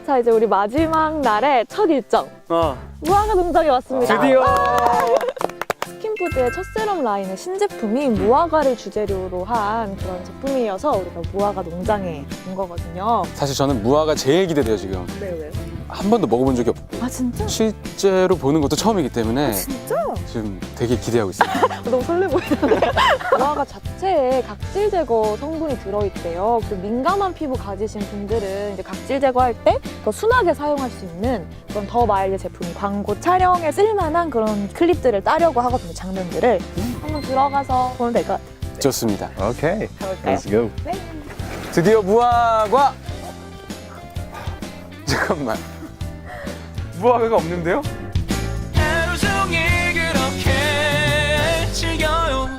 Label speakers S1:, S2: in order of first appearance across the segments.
S1: 자, 이제 우리 마지막 날의 첫 일정. 무화과 농장에 왔습니다.
S2: 드디어!
S1: 스킨푸드의 첫 세럼 라인의 신제품이 무화과를 주재료로 한 그런 제품이어서 우리가 무화과 농장에 온 거거든요.
S2: 사실 저는 무화과 제일 기대돼요, 지금.
S1: 네.
S2: 한 번도 먹어본 적이 없고.
S1: 아, 진짜?
S2: 실제로 보는 것도 처음이기 때문에
S1: 진짜?
S2: 지금 되게 기대하고 있습니다.
S1: 너무 설레 보이는데. 무화과 자체에 각질 제거 성분이 들어있대요. 그 민감한 피부 가지신 분들은 이제 각질 제거할 때 더 순하게 사용할 수 있는 그런 더 마일드 제품이 광고 촬영에 쓸만한 그런 클립들을 따려고 하거든요, 장면들을. 한번 들어가서 보면 될 것 같아요.
S2: 좋습니다.
S3: 오케이.
S1: 가볼까요?
S3: Let's go.
S1: 네.
S2: 드디어 무화과! 잠깐만. 무화과가 없는데요?
S4: 하루 종일 그렇게 즐겨요.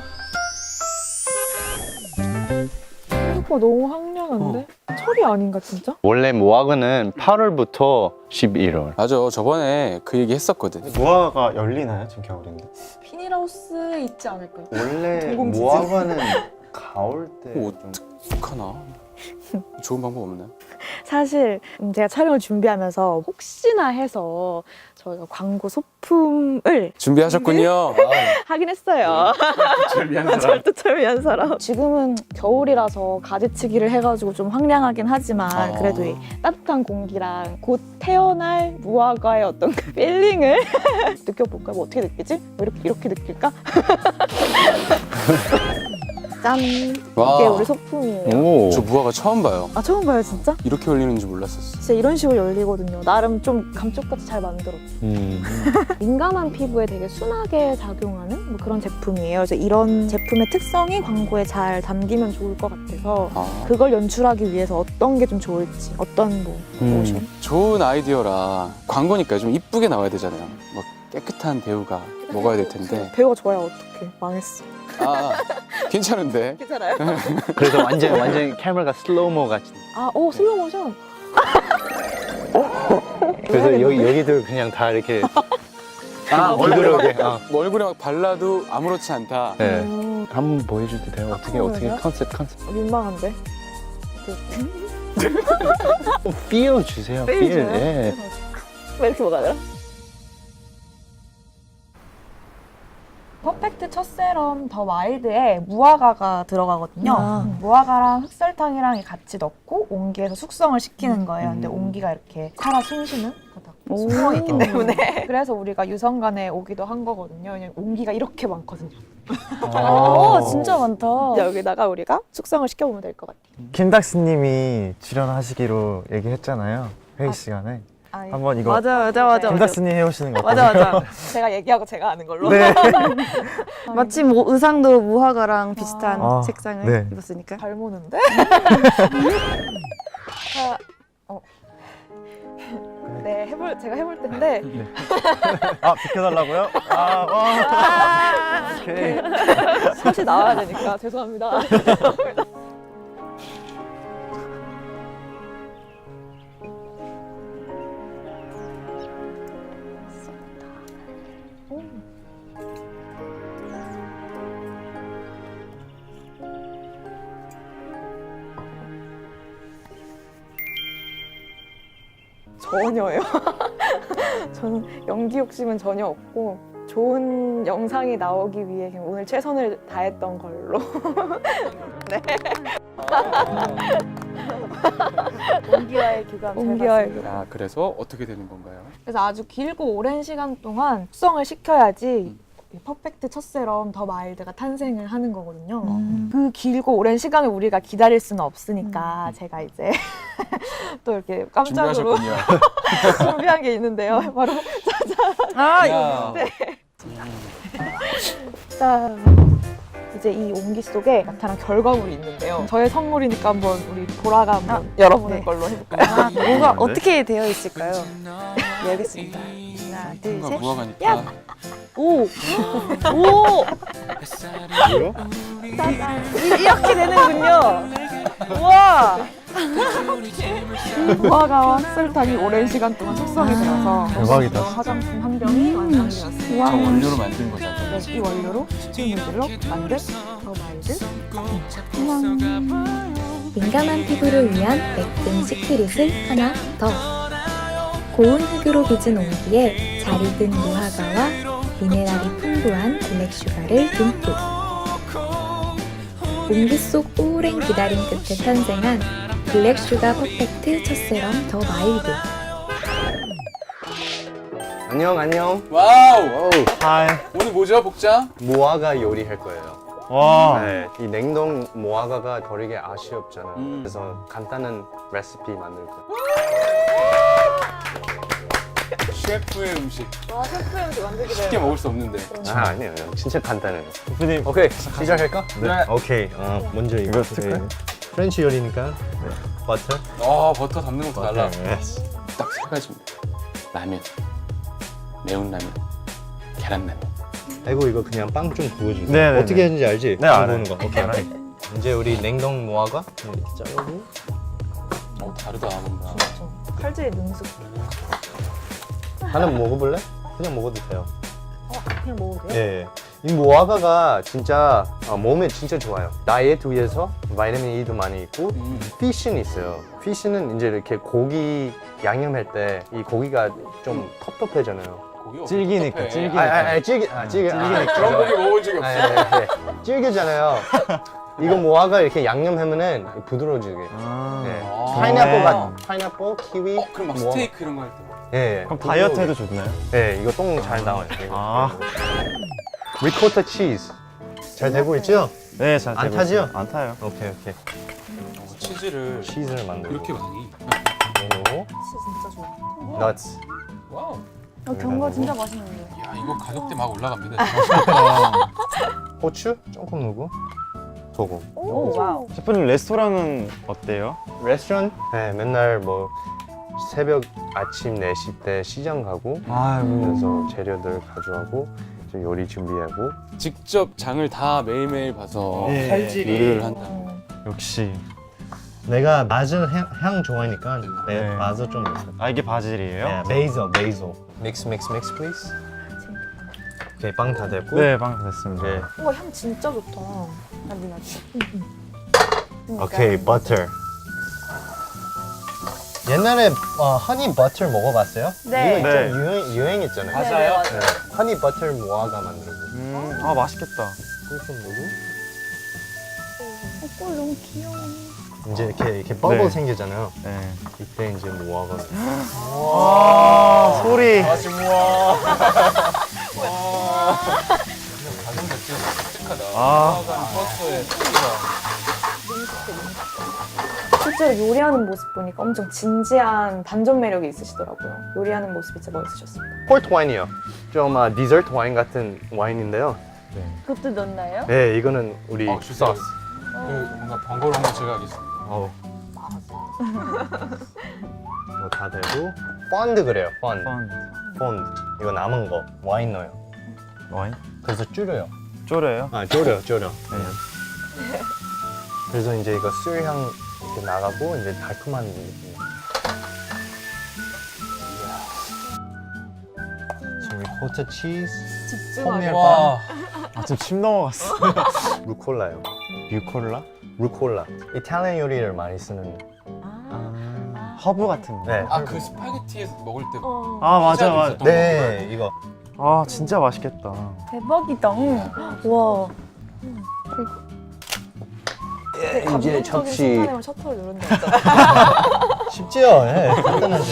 S1: 생각보다 너무 황량한데? 철이 아닌가, 진짜?
S3: 원래 무화과는 8월부터 11월.
S2: 맞아, 저번에 그 얘기 했었거든.
S5: 무화과가 열리나요? 지금 겨울인데.
S1: 비닐하우스 있지 않을까요?
S5: 원래
S1: 동공지진.
S5: 무화과는 가을 때
S2: 뭐
S5: 좀...
S2: 어떡하나? 좋은 방법 없나요?
S1: 사실 제가 촬영을 준비하면서 혹시나 해서 저희가 광고 소품을
S2: 준비하셨군요.
S1: 하긴 했어요.
S2: 준비한
S1: 절도철미한 사람. 지금은 겨울이라서 가지치기를 해가지고 좀 황량하긴 하지만 그래도 이 따뜻한 공기랑 곧 태어날 무화과의 어떤 그 필링을 느껴볼까요? 뭐 어떻게 느끼지? 뭐 이렇게 느낄까? 짠!
S2: 와.
S1: 이게 우리 소품이에요.
S3: 오.
S2: 저 무화과 처음 봐요.
S1: 아, 처음 봐요, 진짜?
S2: 이렇게 열리는지 몰랐었어.
S1: 진짜 이런 식으로 열리거든요. 나름 좀 감쪽같이 잘 만들었죠. 민감한 피부에 되게 순하게 작용하는 뭐 그런 제품이에요. 그래서 이런 제품의 특성이 광고에 잘 담기면 좋을 것 같아서 그걸 연출하기 위해서 어떤 게 좀 좋을지, 어떤 뭐 모션.
S2: 좋은 아이디어라 광고니까 좀 이쁘게 나와야 되잖아요. 뭐 깨끗한 배우가 먹어야 될 텐데.
S1: 배우가 좋아야 어떡해. 망했어.
S2: 괜찮은데.
S1: 괜찮아요?
S3: 그래서 완전 카메라가 슬로우모 같이.
S1: 아, 오, 슬로우 모션.
S3: 그래서 여기도 그냥 다 이렇게
S2: 얼굴에
S3: 부드럽게.
S2: 뭐 얼굴에 막 발라도 아무렇지 않다.
S3: 네.
S1: 오,
S3: 한번 보여줘도 돼요? 어떻게
S1: 보여줘요?
S3: 컨셉.
S1: 민망한데?
S3: feel 주세요.
S1: feel
S3: feel.
S1: 줘요?
S3: 예.
S1: 왜 이렇게 뭐가 되나? 퍼펙트 첫 세럼 더 마일드에 무화과가 들어가거든요. 무화과랑 흑설탕이랑 같이 넣고 온기에서 숙성을 시키는 거예요. 근데 온기가 이렇게 살아 숨쉬는 숙성이 있기 때문에 그래서 우리가 유성관에 오기도 한 거거든요. 왜냐면 온기가 이렇게 많거든요. 진짜 많다. 여기다가 우리가 숙성을 시켜보면 될 것 같아요.
S5: 김닥스님이 출연하시기로 얘기했잖아요. 회의 시간에. 한번 이거
S1: 맞아.
S5: 김닥스님 해오시는 거 같아요.
S1: 맞아. 제가 얘기하고 제가 아는 걸로.
S5: 네.
S6: 마침 뭐 의상도 무화과랑 비슷한 색상을
S5: 네.
S6: 입었으니까.
S1: 잘 모는데? 네, 제가 해볼 텐데.
S5: 비켜달라고요? 오케이.
S1: 사실 나와야 되니까 죄송합니다. 전혀요. 저는 연기 욕심은 전혀 없고 좋은 영상이 나오기 위해 그냥 오늘 최선을 다했던 걸로. 네. 온기와의 교감 잘 봤습니다.
S2: 그래서 어떻게 되는 건가요?
S1: 그래서 아주 길고 오랜 시간 동안 숙성을 시켜야지 이 퍼펙트 첫 세럼 더 마일드가 탄생을 하는 거거든요. 그 길고 오랜 시간을 우리가 기다릴 수는 없으니까 제가 이제 또 이렇게 깜짝으로
S2: 준비하셨군요.
S1: 준비한 게 있는데요. 바로
S2: 이거.
S1: 네. 자, 이제 이 온기 속에 나타난 결과물이 있는데요. 저의 선물이니까 한번 우리 보라가 한번 열어보는 걸로 해볼까요?
S6: 뭐가 어떻게 되어 있을까요? 네, 알겠습니다. 하나, 둘, 셋.
S2: 무화과니까.
S1: 오!
S6: 이렇게 되는군요. 우와!
S1: 무화과와 흑설탕이 오랜 시간 동안 숙성이 되어서
S5: 대박이다.
S1: 화장품 한 병이 완성되었습니다.
S2: 저 원료로 만든 거잖아요.
S1: 이 원료로 스팀물질로 만든 더 마일드.
S7: 민감한 피부를 위한 맥등 시크릿을 하나 더. 고운 흙으로 빚은 온기에 잘 익은 무화과와 미네랄이 풍부한 블랙슈가를 듬뿍. 온기 속 오랜 기다림 끝에 탄생한 블랙슈가 퍼펙트 첫세럼 더 마일드.
S3: 안녕 안녕.
S2: 와우.
S5: 하이.
S2: 오늘 뭐죠, 복장?
S3: 무화과 요리할 거예요.
S5: 와.
S3: 네, 이 냉동 무화과가 버리기 아쉬웠잖아요. 그래서 간단한 레시피 만들 거예요.
S2: 셰프의 음식.
S1: 와, 셰프의 음식 만들기
S2: 쉽게 먹을 수 없는데.
S3: 아 아니에요, 진짜 간단해요.
S5: 대표님.
S3: 오케이 시작할까?
S2: 네.
S3: 오케이. 먼저
S5: 이거
S3: 이거
S5: 쓸까요?
S3: 프렌치 요리니까 버터.
S2: 버터 담는 것도 달라.
S3: 네.
S2: 딱 세 가지입니다. 라면, 매운 라면, 계란라면.
S3: 아이고 이거 그냥 빵 좀 구워주세요.
S5: 네, 네,
S3: 어떻게
S5: 네.
S3: 하는지 알지?
S5: 네,
S3: 빵
S5: 알아요.
S3: 구우는 거. 오케이.
S5: 알아요.
S3: 이제 우리 냉동 무화과 이렇게 자르고.
S2: 다르다 뭔가.
S1: 칼질의 능숙.
S3: 하나 먹어볼래? 그냥 먹어도 돼요.
S1: 그냥 먹어도 돼요?
S3: 예. 이 무화과가 진짜 몸에 진짜 좋아요. 다이어트 위해서 비타민 E도 많이 있고 피쉬는 있어요. 피쉬는 이제 이렇게 고기 양념할 때 이 고기가 좀 텁텁해잖아요.
S2: 고기
S5: 질기니까,
S2: 어떡해.
S5: 질기니까.
S3: 찌개.
S2: 그런 고기 먹어본 적이 없어.
S3: 질기잖아요. 이거 무화과 이렇게 양념하면은 부드러워지게.
S5: 아.
S3: 예.
S2: 아.
S3: 파인애플, 키위.
S2: 그럼 막
S3: 무화과.
S2: 스테이크 이런 거 할 때.
S3: 예.
S5: 그럼 다이어트에도 좋나요?
S3: 예, 이거 똥 잘 나와요.
S5: 아.
S3: 리코타 치즈. 잘 되고 있죠?
S5: 네, 잘
S3: 안
S5: 되고
S3: 타죠?
S5: 있어요. 안 타요.
S3: 오케이.
S2: 치즈를
S3: 치즈를 만들고.
S2: 이렇게 많이.
S3: 그리고
S1: 진짜 좋아.
S3: 넛스.
S2: 와우.
S1: 견과 진짜 맛있는데.
S2: 야 이거 가격대 막 올라갑니다.
S3: 고추 조금 넣고 소금.
S1: 오, 와우.
S5: 셰프님 레스토랑은 어때요?
S3: 레스토랑? 네, 맨날 뭐 새벽 아침 4시 때 시장 가고
S5: 아이고.
S3: 그래서 재료들 가져가고 이제 요리 준비하고.
S2: 직접 장을 다 매일매일 봐서
S5: 예.
S2: 요리를 한다.
S5: 역시.
S3: 내가 바질 향 좋아하니까
S5: 네.
S3: 바질 좀 있어.
S5: 아, 이게 바질이에요?
S3: 베이zel. 믹스 플리즈. 오케이, 빵 다 됐고.
S5: 네, 방금 됐습니다.
S3: 네.
S1: 우와, 향 진짜 좋다. 나지.
S3: 오케이, 버터. 옛날에 허니 버터 먹어봤어요?
S1: 네.
S3: 이거
S5: 네.
S3: 좀 유행했잖아요.
S2: 맞아요.
S3: 네. 허니 버터 무화과 만들고.
S5: 아, 맛있겠다.
S3: 꿀좀 넣고.
S1: 꿀 너무 귀여워.
S3: 이제 이렇게 버블
S5: 네.
S3: 생기잖아요.
S5: 네.
S3: 이때 이제 무화과.
S5: 아, 소리.
S2: 가격 자체가 독특하다.
S5: 아.
S2: 버터에 소리가.
S1: 실제로 요리하는 모습 보니까 엄청 진지한 반전 매력이 있으시더라고요. 요리하는 모습이 진짜 멋있으셨습니다.
S3: 포트 와인이요. 좀 디저트 와인 같은 와인인데요.
S1: 그것도 넣나요?
S3: 네, 이거는 우리
S2: 주세요.
S3: 소스.
S2: 뭔가 번거로운 거 제가 하겠습니다.
S3: 이거 다 되고. 펀드 그래요. 펀드. 펀드. 이거 남은 거 와인 넣어요.
S5: 와인?
S3: 그래서 줄여요.
S5: 쪼려요?
S3: 졸여.
S5: 네.
S3: 그래서 이제 이거 술향 이렇게 나가고 이제 달콤한 느낌. 지금 리코타 치즈,
S1: 집중하게.
S2: 와.
S5: 아, 지금 침 넘어갔어.
S3: 루콜라요.
S5: 뮤콜라?
S3: 루콜라. 이탈리안 요리를 많이 쓰는.
S5: 허브 같은 거.
S3: 네.
S2: 그 스파게티에서 먹을 때.
S5: 아, 맞아,
S2: 피자도
S5: 맞아.
S2: 있었던
S3: 네, 이거.
S5: 아, 진짜 맛있겠다.
S1: 대박이다. 와.
S3: 이제
S1: 감동적인
S3: 접시.
S1: 순간에만 셔터를 누른다 했잖아.
S3: 쉽지요? 예, 간단하죠.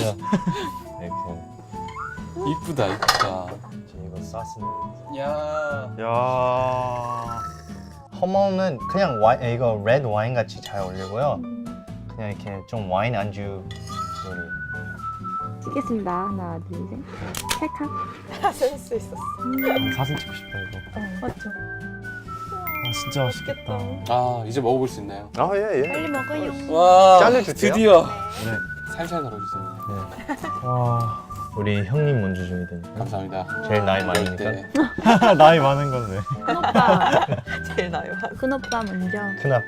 S3: 이렇게.
S2: 이쁘다.
S3: 이제 이거 소스.
S2: 야.
S5: 야.
S3: 허머는 그냥 와인, 이거 레드 와인 같이 잘 어울리고요. 그냥 이렇게 좀 와인 안주 요리.
S7: 찍겠습니다. 하나, 둘, 셋. 찰칵.
S1: 쓸수 있었어.
S5: 사진 찍고 싶다, 이거.
S1: 맞죠?
S5: 아, 진짜 맛있겠다.
S2: 아 이제 먹어볼 수 있나요?
S3: 아, 예.
S1: 빨리 먹어요.
S2: 와.
S3: 잘라줄게요.
S2: 드디어.
S5: 네.
S2: 살살 덜어주세요.
S5: 와.
S3: 우리 형님 먼저 줘야 되니까.
S2: 감사합니다.
S3: 제일 나이
S2: 이럴
S3: 많으니까.
S2: 때.
S5: 나이 많은 건데.
S1: 큰오빠. 제일 나요.
S7: 큰오빠 먼저.
S3: 큰아빠?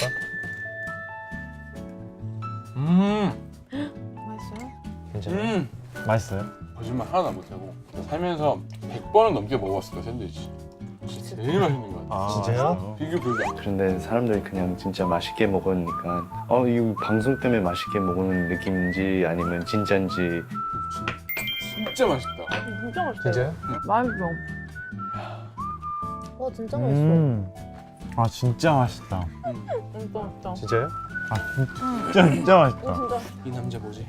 S1: 맛있어요?
S3: 괜찮아요?
S5: 맛있어요?
S2: 거짓말 하나도 못하고 살면서 100번은 넘게 먹어봤을 거야 샌드위치. 진짜 제일 맛있는 거 같아.
S5: 아,
S3: 진짜요?
S2: 비교 불가.
S8: 그런데 사람들이 그냥 진짜 맛있게 먹으니까 이 방송 때문에 맛있게 먹는 느낌인지 아니면 진짜인지
S2: 진짜 맛있다.
S1: 진짜 맛있어요.
S3: 진짜요?
S1: 맛있어.
S6: 와 진짜
S5: 아 진짜 맛있다.
S1: 진짜 맛있다.
S3: 진짜요?
S5: 아 진짜 맛있다.
S2: 이 남자 뭐지?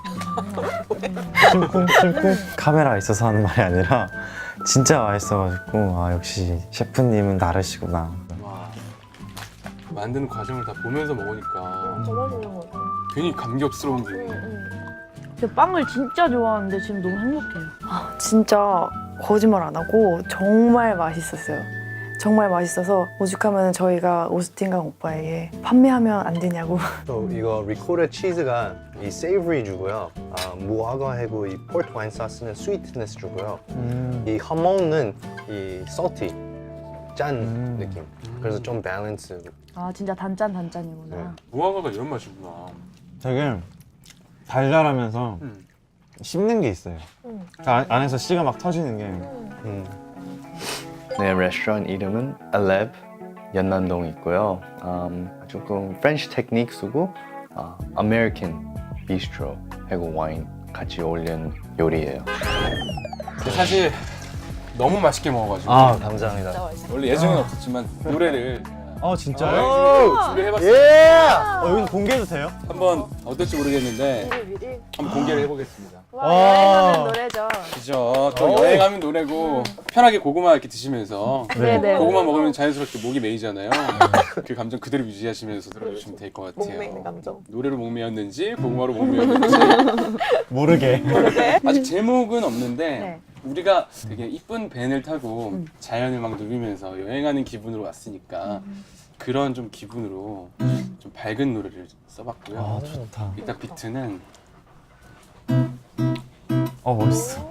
S5: 심쿵.
S9: 카메라가 있어서 하는 말이 아니라 진짜 맛있어가지고 아 역시 셰프님은 다르시구나.
S2: 와, 만드는 과정을 다 보면서 먹으니까
S6: 더 맛있는 것 같아.
S2: 괜히 감격스러운 기분이.
S1: 제가 빵을 진짜 좋아하는데 지금 너무 행복해요.
S6: 아, 진짜 거짓말 안 하고 정말 맛있었어요. 정말 맛있어서 오죽하면 저희가 오스틴강 오빠에게 판매하면 안 되냐고.
S3: 또 이거 리코타 치즈가 이 세이버리 주고요. 무화과하고 이 포트 와인 소스는 스위트니스 주고요. 이 하몽은 이 salty 짠 느낌. 그래서 좀 밸런스.
S1: 아 진짜 단짠이구나.
S3: 네.
S2: 무화과가 이런 맛이구나.
S5: 되게 달달하면서 씹는 게 있어요. 안에서 씨가 막 터지는 게.
S8: 네, 레스토랑 이름은 알렙 연남동에 있고요. 조금 프렌치 테크닉 쓰고 아메리칸 비스트로 하고 와인 같이 어울리는 요리예요.
S2: 근데 사실 너무 맛있게 먹어가지고
S3: 아 감사합니다.
S2: 원래 예정은 없었지만 노래를
S5: 진짜요?
S2: 준비해봤어요.
S3: 예!
S5: 여기 공개해도 돼요?
S2: 한번 어떨지 모르겠는데 한번 공개를 해보겠습니다.
S6: 여행하는 노래죠.
S2: 그죠? 또 여행하면 노래고 편하게 고구마 이렇게 드시면서
S1: 네네.
S2: 고구마 먹으면 자연스럽게 목이 메이잖아요. 그 감정 그대로 유지하시면서 들어주시면 될 것 같아요.
S6: 목매이는 감정.
S2: 노래로 목 메였는지 고구마로 목 메였는지
S5: 모르게.
S2: 아직 제목은 없는데
S1: 네.
S2: 우리가 되게 이쁜 밴을 타고 자연을 막 누비면서 여행하는 기분으로 왔으니까 그런 좀 기분으로 좀 밝은 노래를 써봤고요.
S5: 아 좋다.
S2: 이따 비트는
S5: 멋있어.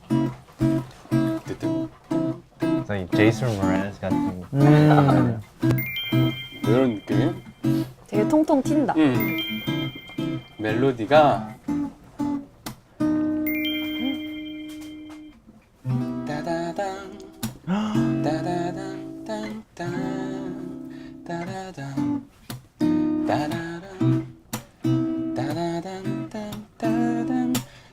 S2: 뜨뜻
S5: 저희 제이슨 모라스 같은.
S2: 이런 느낌.
S6: 되게 통통 튄다.
S2: 멜로디가 따다당 따다당 땅땅 따다당 따다당 따다당 땅따당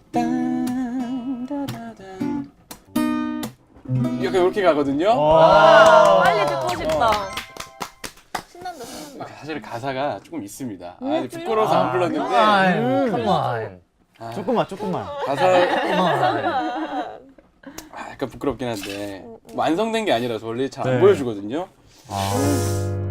S2: 땅 따다당 약간 이렇게 가거든요.
S6: 빨리 듣고 싶다. 신난다.
S2: 사실 가사가 조금 있습니다. 아, 부끄러워서 안 불렀는데
S3: Come on.
S5: 조금만.
S2: 가사 약간 부끄럽긴 한데 완성된 게 아니라서 원래 잘 안
S5: 네.
S2: 보여주거든요.
S5: 아